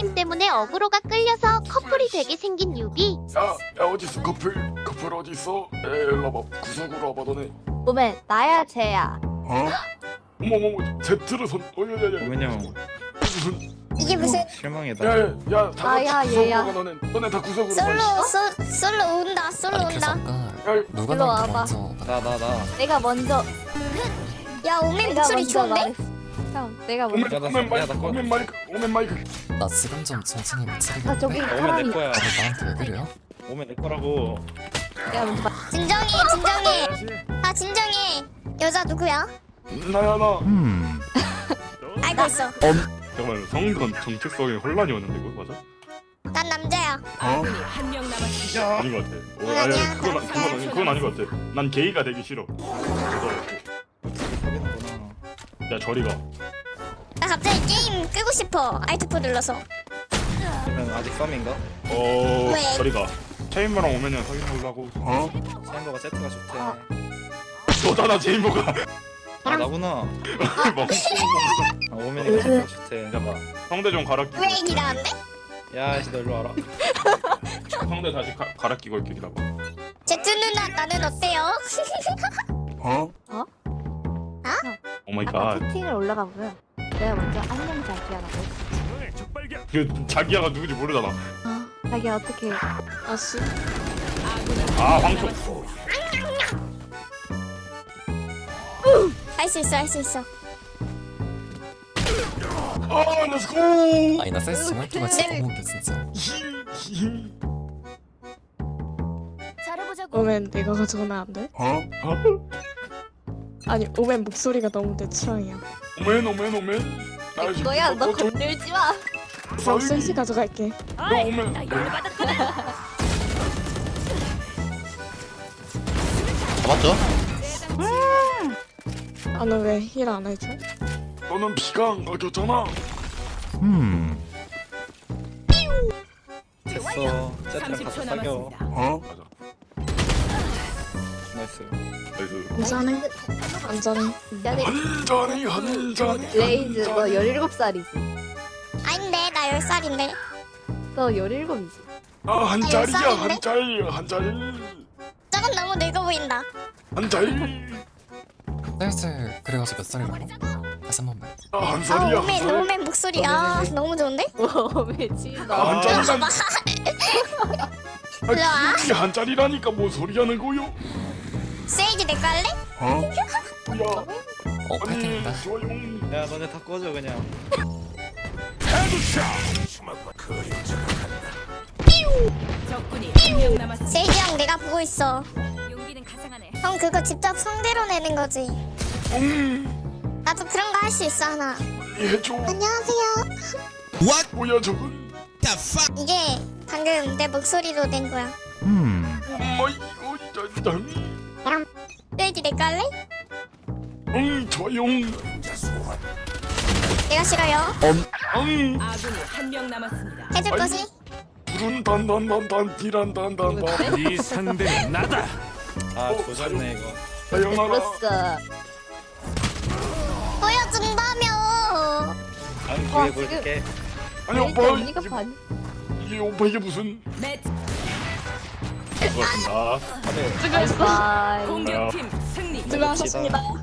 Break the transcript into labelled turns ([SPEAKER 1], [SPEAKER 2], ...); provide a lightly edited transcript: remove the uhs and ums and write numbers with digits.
[SPEAKER 1] 오멘 때문에 어그로가 끌려서 커플이 되게 생긴 유비.
[SPEAKER 2] 야 어딨어 커플 어딨어? 일로 와봐 구석으로 와봐 너네.
[SPEAKER 3] 오멘 나야 쟤야.
[SPEAKER 2] 어? 어머머머 Z를 손 야야야
[SPEAKER 4] 오면 형
[SPEAKER 2] 무슨
[SPEAKER 5] 이게 무슨
[SPEAKER 4] 실망이다.
[SPEAKER 2] 야야야 다
[SPEAKER 3] 아야,
[SPEAKER 2] 같이 구석으로
[SPEAKER 3] 얘야.
[SPEAKER 2] 가 너네 다 구석으로 가.
[SPEAKER 5] 솔로 온다 솔로
[SPEAKER 6] 그래서
[SPEAKER 5] 온다.
[SPEAKER 6] 아까
[SPEAKER 2] 야
[SPEAKER 6] 누가
[SPEAKER 3] 일로
[SPEAKER 6] 나한테
[SPEAKER 3] 와봐.
[SPEAKER 6] 먼저
[SPEAKER 4] 나.
[SPEAKER 3] 내가 먼저
[SPEAKER 5] 야 오멘
[SPEAKER 3] 내가
[SPEAKER 5] 목소리
[SPEAKER 3] 먼저
[SPEAKER 5] 좋은데?
[SPEAKER 3] 말했어. 형 내가
[SPEAKER 2] 오멘
[SPEAKER 3] 먼저.
[SPEAKER 4] 야, 나
[SPEAKER 2] 오멘 마이크
[SPEAKER 4] 야, 나 꺼.
[SPEAKER 2] 오멘 마이크.
[SPEAKER 6] 나 지금 좀 정신이 미치겠는데
[SPEAKER 3] 아 저기
[SPEAKER 4] 오면
[SPEAKER 3] 사람이
[SPEAKER 4] 내 거야.
[SPEAKER 6] 다들 나한테 왜 그래요?
[SPEAKER 4] 오면 내 거라고.
[SPEAKER 3] 내가 먼저 말.
[SPEAKER 5] 진정해 진정해. 아 진정해. 여자 누구야?
[SPEAKER 2] 나야 나.
[SPEAKER 5] 알고 있어.
[SPEAKER 2] 잠깐만 성건 정체성에 혼란이 오는데 이거 맞아?
[SPEAKER 5] 난 남자야.
[SPEAKER 7] 아군이 한 명 남았습니다.
[SPEAKER 2] 아닌 것 같아.
[SPEAKER 5] 아니야,
[SPEAKER 2] 그건 아닌 것 같아. 난 게이가 되기 싫어.
[SPEAKER 4] 사귀는구나.
[SPEAKER 2] 야 저리가.
[SPEAKER 5] 나 갑자기 게임 끄고 싶어. Alt4 눌러서.
[SPEAKER 4] 그러면 아직 썸인가?
[SPEAKER 5] 왜?
[SPEAKER 2] 저리가. 체인버랑 오면은 사귀는 걸로 하고.
[SPEAKER 4] 샤인버가 세트가 좋대.
[SPEAKER 3] 아.
[SPEAKER 2] 너잖아 체인버가.
[SPEAKER 4] 아 나구나.
[SPEAKER 2] 뭐.
[SPEAKER 4] 아, 오면이가 세트가 좋대.
[SPEAKER 2] 잠깐만. 성대 좀 갈아 끼고.
[SPEAKER 5] 왜 얘기라는데?
[SPEAKER 4] 야, 씨, 너 일로 와라.
[SPEAKER 2] 성대 다시 갈아 끼고 이렇게 기다려.
[SPEAKER 5] 제트 누나 나는 어때요?
[SPEAKER 2] 어?
[SPEAKER 3] 어?
[SPEAKER 2] 오 마이
[SPEAKER 3] 아까
[SPEAKER 2] 갓.
[SPEAKER 3] 채팅을 올라가 보면 내가 먼저 안녕 자기야라고 했어.
[SPEAKER 2] 그 자기야가 누군지 모르잖아.
[SPEAKER 3] 자기야 어떻게? 아씨.
[SPEAKER 2] 아 황초.
[SPEAKER 5] 할 수 있어 할 수 있어.
[SPEAKER 2] 아 렛츠고.
[SPEAKER 6] 아니 나 센스 정말 또가 진짜 너무 웃겨 진짜.
[SPEAKER 7] 잘해보자고.
[SPEAKER 8] 오멘 내가 가져가면 안 돼?
[SPEAKER 2] 어?
[SPEAKER 8] 아니 오멘 목소리가 너무 내 취향이야.
[SPEAKER 2] 오멘. 나 지금
[SPEAKER 3] 너야 너 건들지 마.
[SPEAKER 8] 그럼 셋이 가져갈게.
[SPEAKER 2] 너 오면
[SPEAKER 7] 나 열받았거든.
[SPEAKER 6] 맞죠?
[SPEAKER 8] 아 너 왜 힐 안 해줘?
[SPEAKER 2] 너는 피가 안 가졌잖아.
[SPEAKER 4] 됐어. 세트랑
[SPEAKER 7] 30초
[SPEAKER 4] 같이 사겨.
[SPEAKER 7] 남았습니다.
[SPEAKER 2] 어? 맞아.
[SPEAKER 4] 나이스.
[SPEAKER 2] 나이스.
[SPEAKER 8] 안전해. 안전해.
[SPEAKER 3] 야네
[SPEAKER 2] 한 잔이.
[SPEAKER 3] 레이즈 너 17살이지.
[SPEAKER 5] 아닌데 나 10살인데.
[SPEAKER 3] 너 17이지.
[SPEAKER 2] 아한 잔이야
[SPEAKER 5] 쌀인데?
[SPEAKER 2] 한 잔.
[SPEAKER 5] 저건 너무 늙어 보인다.
[SPEAKER 2] 한 잔.
[SPEAKER 6] 센스 그래가지고 몇 살이라고? 다시 한 번만.
[SPEAKER 2] 한
[SPEAKER 5] 아
[SPEAKER 2] 살이야.
[SPEAKER 5] 오멘 오멘 목소리 아 너무 좋은데?
[SPEAKER 3] 오멘 지나.
[SPEAKER 2] 한 잔이란.
[SPEAKER 5] 일로 와.
[SPEAKER 2] 한 잔이라니까 뭐 소리 하는 거요?
[SPEAKER 5] 세이지 내 깔래?
[SPEAKER 2] 어? 야.
[SPEAKER 6] 파이팅입니다.
[SPEAKER 2] 조용.
[SPEAKER 4] 야, 너네 다 꺼져 그냥.
[SPEAKER 7] 적군이 한 명 남았습니다.
[SPEAKER 5] 세이지 형 내가 보고 있어.
[SPEAKER 7] 용기는 가상하네.
[SPEAKER 5] 형 그거 직접 성대로 내는 거지. 나도 그런 거 할 수 있어 하나.
[SPEAKER 2] 해줘.
[SPEAKER 5] 안녕하세요.
[SPEAKER 2] 뭐야 저건?
[SPEAKER 5] 이게 방금 내 목소리로 낸 거야.
[SPEAKER 2] 어이구 짠짠.
[SPEAKER 5] 세이지 내 깔래?
[SPEAKER 2] 조용.
[SPEAKER 5] 내가 싫어요.
[SPEAKER 2] 응.
[SPEAKER 7] 아군이 한 명 남았습니다.
[SPEAKER 5] 해줄
[SPEAKER 2] 아니.
[SPEAKER 5] 거지?
[SPEAKER 2] 불은 단단단단 디란단단단.
[SPEAKER 9] 이 상대는 나다.
[SPEAKER 4] 아, 조졌네 이거.
[SPEAKER 2] 사연하라.
[SPEAKER 3] 들었어.
[SPEAKER 5] 보여준다며.
[SPEAKER 4] 다음
[SPEAKER 3] 와,
[SPEAKER 4] 기회 볼게.
[SPEAKER 2] 아니
[SPEAKER 3] 레이즈
[SPEAKER 2] 오빠
[SPEAKER 3] 언니가 반.
[SPEAKER 2] 이게 오빠 이게 무슨?
[SPEAKER 7] 매치
[SPEAKER 2] 고맙습니다.
[SPEAKER 4] 다들
[SPEAKER 3] 바이바이.
[SPEAKER 7] 공격팀 승리.
[SPEAKER 8] 수고하셨습니다.